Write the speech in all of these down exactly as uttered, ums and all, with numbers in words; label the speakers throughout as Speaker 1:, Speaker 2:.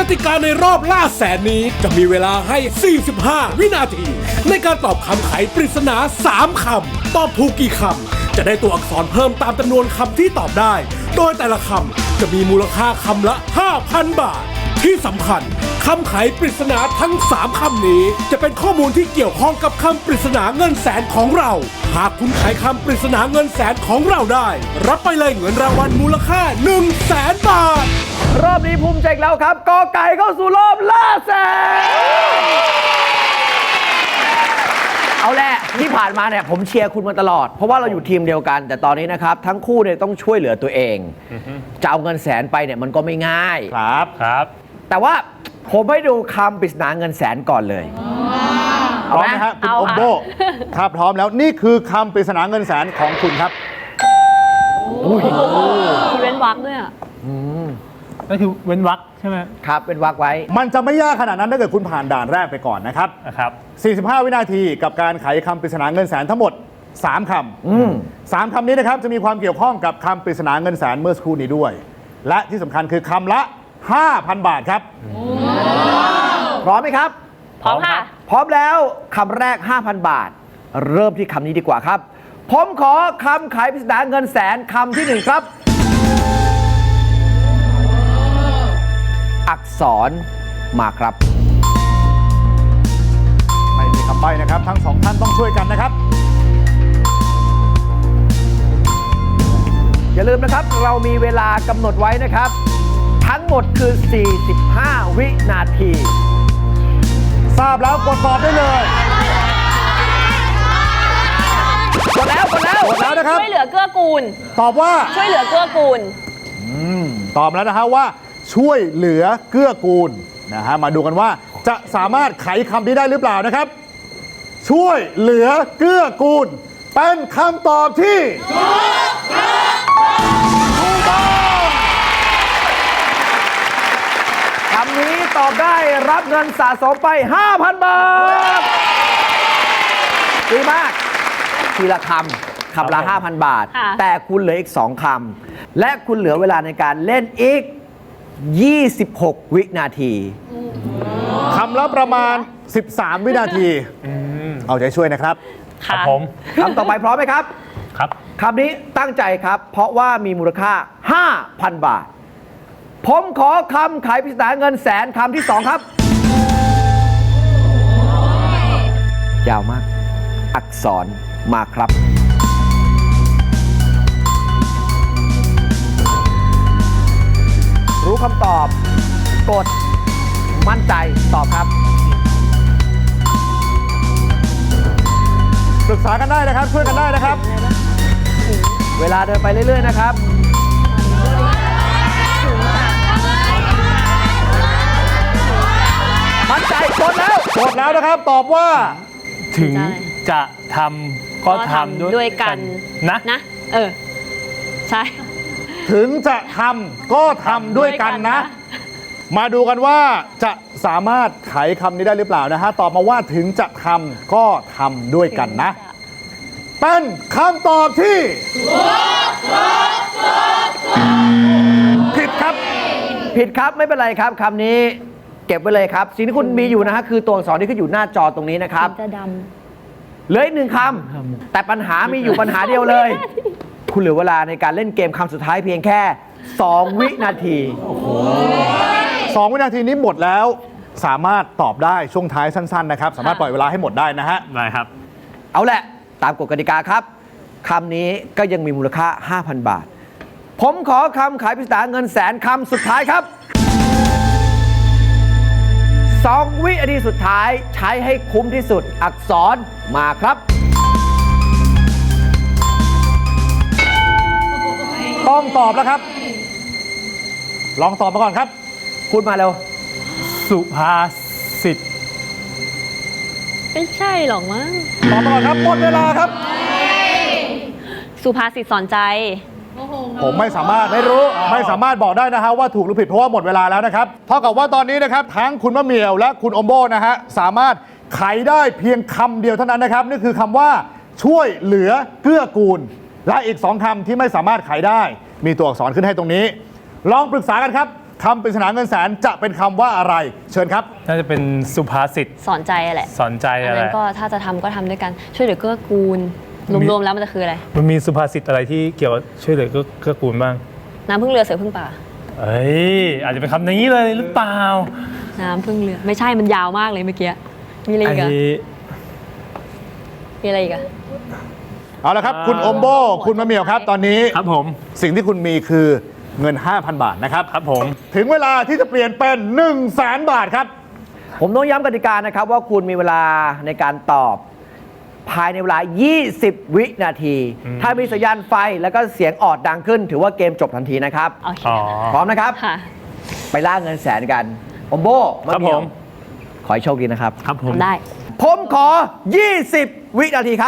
Speaker 1: ติกาในรอบล่าแสนนี้จะมีเวลาให้ สี่สิบห้า วินาที ในการตอบคำไขปริศนา สาม คำ ตอบถูกกี่คำ จะได้ตัวอักษรเพิ่มตามจำนวนคำที่ตอบได้ โดยแต่ละคำจะมีมูลค่าคำละ ห้าพัน บาท ที่สำคัญคำไขปริศนาทั้ง สาม คำนี้จะเป็นข้อมูลที่เกี่ยวข้องกับคำปริศนาเงินแสนของเรา หากคุณไขคำปริศนาเงินแสนของเราได้ รับไปเลยเงินรางวัลมูลค่า หนึ่งแสน บาท
Speaker 2: รอบนี้ภูมิใจอีกแล้วครับกอไก่เข้าสู่รอบล่าแสนเอาแหละที่ผ่านมาเนี่ยผมเชียร์คุณมาตลอดเพราะว่าเราอยู่ทีมเดียวกัน แต่ตอนนี้นะครับทั้งคู่เนี่ยต้องช่วยเหลือตัวเองจะเอาเงินแสนไปเนี่ยมันก็ไม่ง่าย
Speaker 3: ครับครับ
Speaker 2: แต่ว่าผมให้ดูคำปริศนาเงินแสนก่อนเลย
Speaker 3: พร้อมไหมฮะคุณอมโบถ้าพร้อมแล้วนี่คือคำปริศนาเงินแสนของคุณครับ
Speaker 4: มีเว้นวรรคด้วยอ่ะ
Speaker 5: ก็คือเว้นวรรคใช่ไหม
Speaker 2: ครับเป็นวักไว้
Speaker 3: มันจะไม่ยากขนาดนั้นถ้าเกิดคุณผ่านด่านแรกไปก่อนนะครับ
Speaker 5: นะครับ
Speaker 3: สี่สิบห้า วินาทีกับการไขคำปริศนาเงินแสนทั้งหมด สาม คำสามคำนี้นะครับจะมีความเกี่ยวข้องกับคำปริศนาเงินแสนเมื่อสักครู่นี้ด้วย และที่สำคัญคือคำละ ห้าพัน บาทครับ
Speaker 2: พร้อมไหมครับ
Speaker 4: พร้อมค่ะ
Speaker 2: พร้อมแล้วคำแรก ห้าพัน บาท เริ่มที่คำนี้ดีกว่าครับ ผมขอคำขายปริศนาเงินแสนคำที่หนึ่งครับ อักษรมาครับ
Speaker 3: ไม่มีคำใบ้นะครับ ทั้งสองท่านต้องช่วยกันนะครับ
Speaker 2: อย่าลืมนะครับเรามีเวลากำหนดไว้นะครับ ทั้งหมดคือ สี่สิบห้า วินาที
Speaker 3: ทราบแล้วกดตอบได้เลย
Speaker 2: กดแล้วกดแล้ว
Speaker 3: กดแล้วนะครับ
Speaker 4: ช่วยเหลือเกื้อกูล
Speaker 3: ตอบว่า
Speaker 4: ช่วยเหลือเกื้อกูล
Speaker 3: ตอบแล้วนะฮะว่าช่วยเหลือเกื้อกูลนะฮะมาดูกันว่าจะสามารถไขคำนี้ได้หรือเปล่านะครับ ช่วยเหลือเกื้อกูลเป็นคำตอบที่ถูกต้อง
Speaker 2: คำนี้ตอบได้รับเงินสะสมไป ห้าพัน บาท ดีมาก ทีละคำคำละ ห้าพัน บาท
Speaker 4: ค่ะ
Speaker 2: แต่คุณเหลืออีก สอง คำ และคุณเหลือเวลาในการเล่นอีก ยี่สิบหก วินาที
Speaker 3: คำละประมาณ สิบสาม วินาทีเอาใจช่วยนะครับ
Speaker 5: ครับ
Speaker 4: ค่ะ
Speaker 5: ผม
Speaker 2: คำต่อไปพร้อมไหมครับ
Speaker 5: ครับ
Speaker 2: คำนี้ตั้งใจครับ เพราะว่ามีมูลค่า ห้าพัน บาท ผมขอคำขายปริศนาเงินแสนคำที่สองครับ ยาวมาก อักษรมาครับ รู้คำตอบ กด มั่นใจตอบครับ
Speaker 3: ปรึกษากันได้นะครับ ช่วยกันได้นะครับ
Speaker 2: เวลาเดินไปเรื่อย ๆ นะครับ มั่นใจกดแล้ว
Speaker 3: กดแล้วนะครับ ตอบว่า
Speaker 5: ถึง
Speaker 4: ใช่
Speaker 5: จะทำก็ทำ
Speaker 4: ด้วยกัน
Speaker 5: นะ
Speaker 4: นะ เออ ใช่
Speaker 3: ถึงจะทำก็ทำด้วยกันนะ มาดูกันว่าจะสามารถไขคำนี้ได้หรือเปล่านะฮะ ตอบมาว่าถึงจะทำก็ทำด้วยกันนะ เป็นคำตอบที่ผิดครับ
Speaker 2: ผิดครับไม่เป็นไรครับคำนี้เก็บไว้เลยครับ สิ่งที่คุณมีอยู่นะฮะคือตัวอักษรที่ขึ้นอยู่หน้าจอตรงนี้นะครับ
Speaker 4: จะด
Speaker 2: เหลืออีกหนึ่งคำแต่ปัญหามีอยู่ปัญหาเดียวเลย คุณเหลือเวลาในการเล่นเกมคำสุดท้ายเพียงแค่ สอง วินาที
Speaker 3: สอง วินาทีนี้หมดแล้ว สามารถตอบได้ช่วงท้ายสั้น ๆ นะครับ สามารถปล่อยเวลาให้หมดได้นะฮะ
Speaker 5: ได้ครับ
Speaker 2: เอาแหละตามกฎกติกาครับคำนี้ก็ยังมีมูลค่า ห้าพัน บาท ผมขอคำขายปริศนาเงินแสนคำสุดท้ายครับสอง วินาทีสุดท้ายใช้ให้คุ้มที่สุดอักษรมาครับ
Speaker 3: ต้องตอบแล้วครับ ลองตอบมาก่อนครับ
Speaker 2: พูดมาเร็ว
Speaker 5: สุภาษิต
Speaker 4: ำไม่ใช่หรอกมั้ง
Speaker 3: ตอบมาก่อนครับ หมดเวลาครับ
Speaker 4: สุภาษิตสอนใจ
Speaker 3: ผมไม่สามารถไม่รู้ไม่สามารถบอกได้นะฮะว่าถูกหรือผิดเพราะว่าหมดเวลาแล้วนะครับเท่ากับว่าตอนนี้นะครับทั้งคุณมะเหมี่ยวและคุณอมโบนะฮะสามารถไขได้เพียงคำเดียวเท่านั้นนะครับนี่คือคำว่าช่วยเหลือเกื้อกูล และอีกสองคำที่ไม่สามารถไขได้ มีตัวอักษรขึ้นให้ตรงนี้ ลองปรึกษากันครับคำปริศนาเงินแสนจะเป็นคำว่าอะไร เชิญครับ
Speaker 5: น่าจะเป็นสุภาษิต
Speaker 4: สอนใจแหละ
Speaker 5: สอนใจ
Speaker 4: อัน
Speaker 5: อะไร
Speaker 4: นั้นก็ถ้าจะทำก็ทำด้วยกันช่วยเหลือเกื้อกูล
Speaker 5: มี
Speaker 4: รวมๆแล้วมันจะคืออะไร
Speaker 5: มันมีสุภาษิตอะไรที่เกี่ยวกับช่วยเหลือเกื้อเกื้อกูลบ้าง
Speaker 4: น้ำพึ่งเรือเสือพึ่งป่า
Speaker 5: เอ้ยอาจจะเป็นคำนี้เลยหรือเปล่า
Speaker 4: น้ำพึ่งเรือไม่ใช่มันยาวมากเลยเมื่อกี้มีอะไรอีกอะ
Speaker 5: ไอ้
Speaker 4: มีอะไรอีกอะ
Speaker 3: เอาละครับ คุณโอมโบ คุณมะเหมี่ยวครับ ตอนนี้
Speaker 5: ครับผม
Speaker 3: สิ่งที่คุณมีคือเงิน ห้าพัน บาทนะครับ
Speaker 5: ครับผม
Speaker 3: ถึงเวลาที่จะเปลี่ยนเป็น1นึ่งแสนบาทครับ
Speaker 2: ผมต้องย้ำกติกานะครับว่าคุณมีเวลาในการตอบ ภายในเวลา ยี่สิบ วินาที ถ้ามีสัญญาณไฟแล้วก็เสียงออดดังขึ้น ถือว่าเกมจบทันทีนะครับ
Speaker 4: โอเค
Speaker 5: อ๋อ
Speaker 2: พร้อมนะครับ
Speaker 4: ค่ะ
Speaker 2: ไปล่าเงินแสนกันอมโบมะ
Speaker 5: ครับ
Speaker 2: เหมี่ยว
Speaker 5: ผม
Speaker 2: ขอให้โชคดีนะครับ
Speaker 5: ครับผม
Speaker 4: ทำได้
Speaker 2: ผมขอ ยี่สิบ วินาทีครับ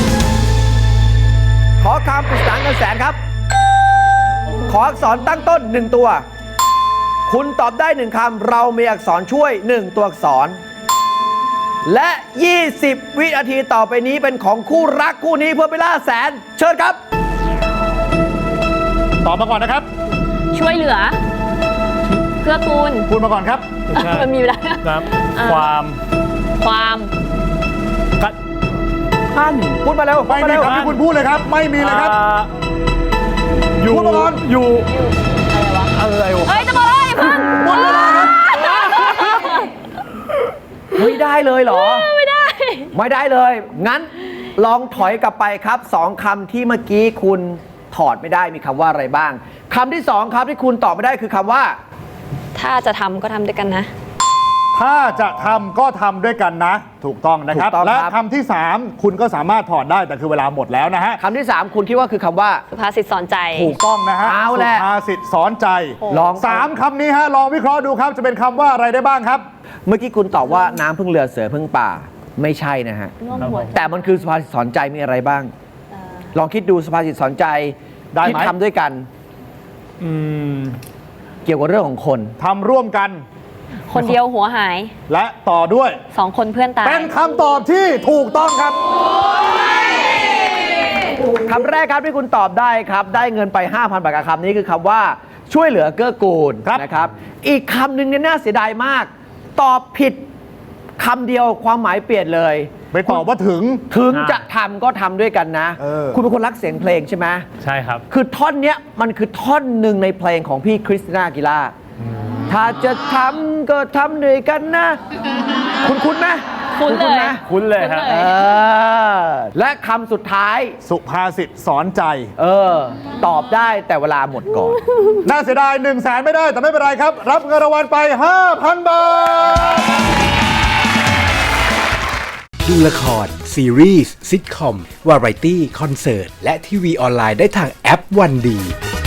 Speaker 2: ขอคำปริศนาเงินแสนครับ ขออักษรตั้งต้น หนึ่ง ตัว คุณตอบได้หนึ่งคำเรามีอักษรช่วย หนึ่ง ตัวอักษร และ ยี่สิบ วินาทีต่อไปนี้เป็นของคู่รักคู่นี้เพื่อไปล่าแสน เชิญครับ
Speaker 3: ตอบมาก่อนนะครับ
Speaker 4: ช่วยเหลือเกื้อกูล
Speaker 3: พูดมาก่อนครับ
Speaker 5: ใช่
Speaker 4: มันมีเวลา
Speaker 5: ครับ
Speaker 4: อ่า
Speaker 5: ความ
Speaker 4: ความ
Speaker 5: กะ
Speaker 2: ท่านพูดมาเร็วพู
Speaker 3: ไม่
Speaker 2: ดมา
Speaker 3: มี
Speaker 2: เร็ว
Speaker 3: คำที่คุณพูดเลยครับ ไม่มีเลยครับ
Speaker 5: อ่าอยู่
Speaker 3: พูดมาก่อน
Speaker 5: อยู่
Speaker 4: อะไรวะ
Speaker 5: อะไรวะ
Speaker 4: เฮ้ยจะบอกเลยเพิ่ง
Speaker 3: หมดเวลาครับ
Speaker 2: ไม่ได้เลยเหรอ
Speaker 4: ไม่ได้
Speaker 2: ไม่ได้เลย งั้นลองถอยกลับไปครับสองคำที่เมื่อกี้คุณถอดไม่ได้มีคำว่าอะไรบ้างคำที่สองครับที่คุณตอบไม่ได้คือคำว่า
Speaker 4: ถ้าจะทำก็ทำด้วยกันนะ
Speaker 3: ถ้าจะทำก็ทำด้วยกันนะ ถูกต้องนะครับ
Speaker 2: ถูกต้อง
Speaker 3: และ
Speaker 2: ครับ
Speaker 3: คำที่ สาม คุณก็สามารถถอดได้แต่คือเวลาหมดแล้วนะฮะ
Speaker 2: คำที่สามคุณคิดว่าคือคำว่า
Speaker 4: สุภาษิตสอนใจ
Speaker 3: ถูกต้องนะฮะ
Speaker 2: เอา
Speaker 3: สุ
Speaker 2: แหละ
Speaker 3: ภาษิตสอนใจ
Speaker 2: ลอง
Speaker 3: สามคำนี้ฮะลองวิเคราะห์ดูครับจะเป็นคำว่าอะไรได้บ้างครับ
Speaker 2: เมื่อกี้คุณตอบว่าน้ำพึ่งเรือเสือพึ่งป่าไม่ใช่นะฮะ
Speaker 4: ร่วมหัว
Speaker 2: แต่มันคือสุภาษิตสอนใจมีอะไรบ้าง ลองคิดดูสุภาษิตสอนใจ
Speaker 3: ได้ไหม
Speaker 2: ที่ทำด้วยกัน
Speaker 5: อืม
Speaker 2: เกี่ยวกับเรื่องของคน
Speaker 3: ทำร่วมกัน
Speaker 4: คนเดียวหัวหาย
Speaker 3: และต่อด้วย
Speaker 4: สองคนเพื่อนตาย
Speaker 3: เป็นคำตอบที่ถูกต้องครับ
Speaker 2: คำแรกครับที่คุณตอบได้ครับ ได้เงินไป ห้าพัน บาทกับคำนี้คือคำว่าช่วยเหลือเกื้อกูล
Speaker 3: ครับ
Speaker 2: นะครับ อีกคำหนึ่งเนี่ยน่าเสียดายมาก ตอบผิดคำเดียวความหมายเปลี่ยนเลย
Speaker 3: ไปตอบว่าถึง
Speaker 2: ถึง
Speaker 5: อ่า
Speaker 2: จะทำก็ทำด้วยกันนะ
Speaker 3: เออ
Speaker 2: คุณเป็นคนรักเสียงเพลงใช่ไหม
Speaker 5: ใช่ครับ
Speaker 2: คือท่อนเนี้ยมันคือท่อนหนึ่งในเพลงของพี่คริสติน่าอากิล่าถ้าจะทำก็ทำด้วยกันนะ คุณคุ้นไหม
Speaker 4: คุ้นเลย
Speaker 2: ไหม
Speaker 5: คุ้นเลยครับ
Speaker 2: เออและคำสุดท้าย
Speaker 3: สุภาษิตสอนใจ
Speaker 2: เออ ตอบได้แต่เวลาหมดก่อน
Speaker 3: น่าเสียดาย1นึ่งแสนไม่ได้แต่ไม่เป็นไรครับ รับเงินรางวัลไป ห้าพัน บาท
Speaker 1: ดูละคร ซีรีส์ซิทคอม วาไรตี้ คอนเสิร์ต และทีวีออนไลน์ได้ทางแอปวันดี